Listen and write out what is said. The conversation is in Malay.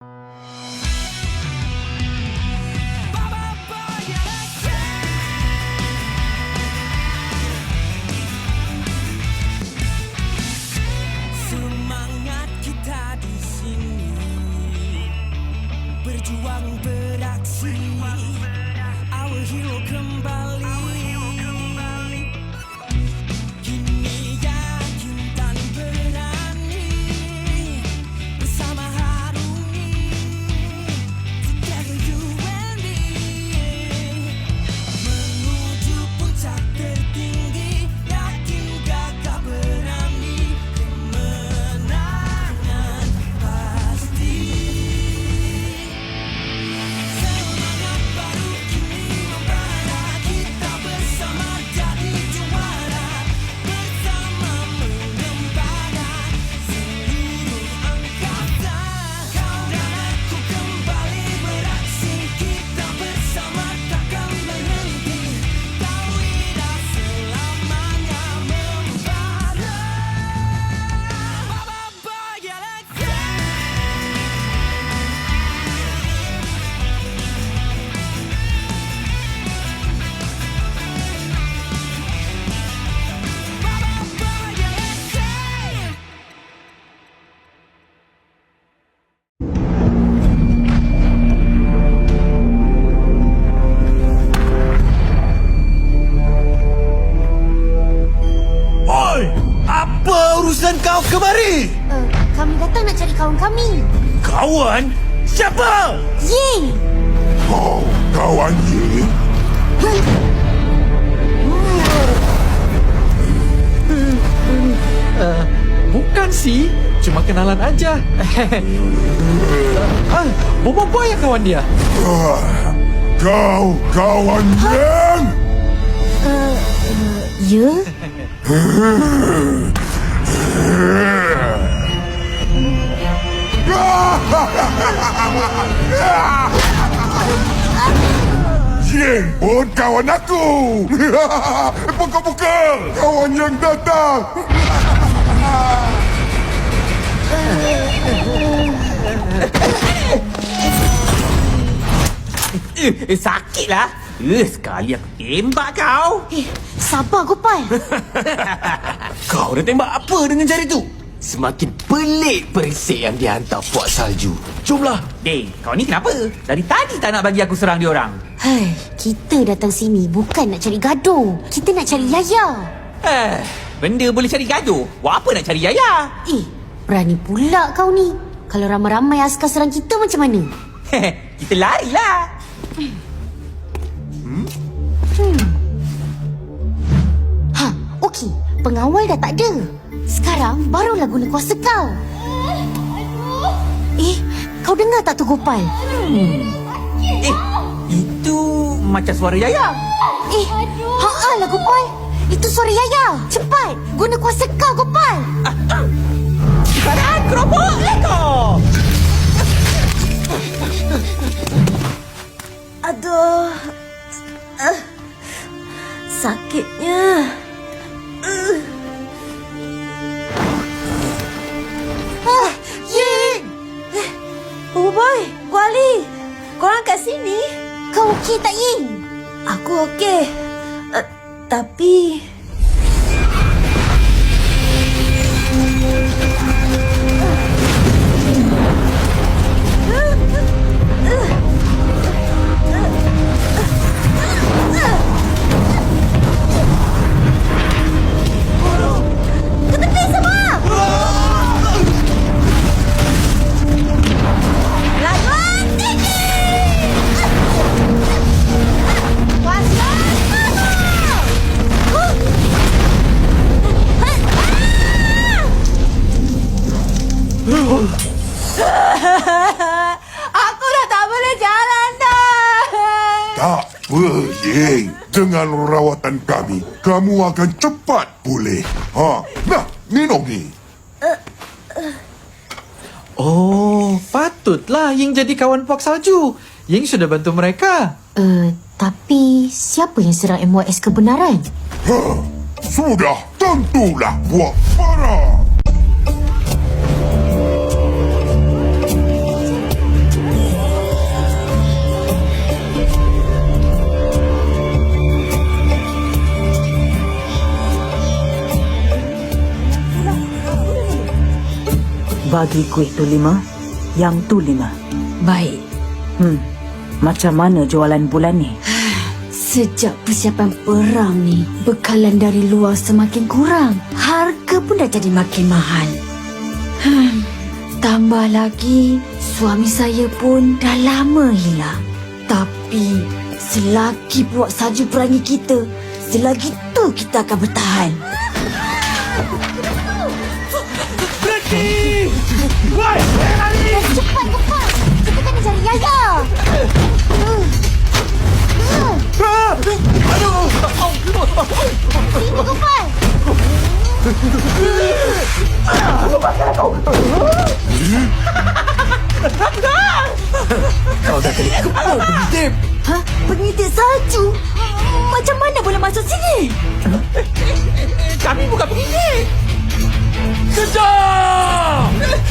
Semangat kita di sini, berjuang beraksi, our hero kembali. Kini yakin dan berani, bersama harungi, together you and me, menuju puncak tertinggi, yakin gagah berani, kemenangan pasti. Semangat baru kini membara, kita bersama jadi juara, bersama mengembara seluruh angkasa. Kau dan aku kembali beraksi, kita bersama takkan berhenti, Tauhida selamanya membara. Baba Galaxy. Oi! Apa urusan kau kemari? Kami datang nak cari kawan kami. Kawan? Siapa? Ying! Kau kawan Ying? Bukan sih, cuma kenalan aja. Bobo Boy yang kawan dia. Kau kawan Ying? Ya? Ying pun kawan aku. Pukul-pukul. Kawan yang datang. Sakitlah. Sekali aku tembak kau. Sabar Gopal. Kau dah tembak apa dengan jari tu? Semakin pelik perisik yang dia hantar puak salju. Jomlah. Kau ni kenapa? Dari tadi tak nak bagi aku serang dia orang. Hai, kita datang sini bukan nak cari gaduh. Kita nak cari Yaya. Benda boleh cari gaduh. Buat apa nak cari Yaya? Berani pula kau ni. Kalau ramai-ramai askar serang kita macam mana? Kita larilah. Okey. Pengawal dah tak ada. Sekarang barulah guna kuasa kau. Kau dengar tak tu Gopal? Itu macam suara Yaya. Lah Gopal. Itu suara Yaya. Cepat, guna kuasa kau Gopal. Sekarang keroboklah kau. Aduh. Sakitnya. Yin! Oh boy, Kuali, korang kat sini? Kau okey tak Yin? Aku okey. Tapi aku dah tak boleh jalan dah. Tak apa, Ying. Dengan rawatan kami, kamu akan cepat pulih. Nah, minum ni. Oh, patutlah Ying jadi kawan puak salju. Ying sudah bantu mereka. Tapi siapa yang serang MYS kebenaran? Sudah tentulah buat para. Bagi kuih tu 5, yang tu 5. Baik. Macam mana jualan bulan ni? Sejak persiapan perang ni, bekalan dari luar semakin kurang. Harga pun dah jadi makin mahal. Tambah lagi, suami saya pun dah lama hilang. Tapi, selagi puak salju perangi kita, selagi tu kita akan bertahan. Berhenti! Woi, lari! Cepat, cepat! Kita kena cari Yaya! Aduh! Sini, Gopal! Kau dah kena kepala pengintip! Hah? Pengintik salju? Macam mana boleh masuk sini? Kami bukan pengintip! Kejar!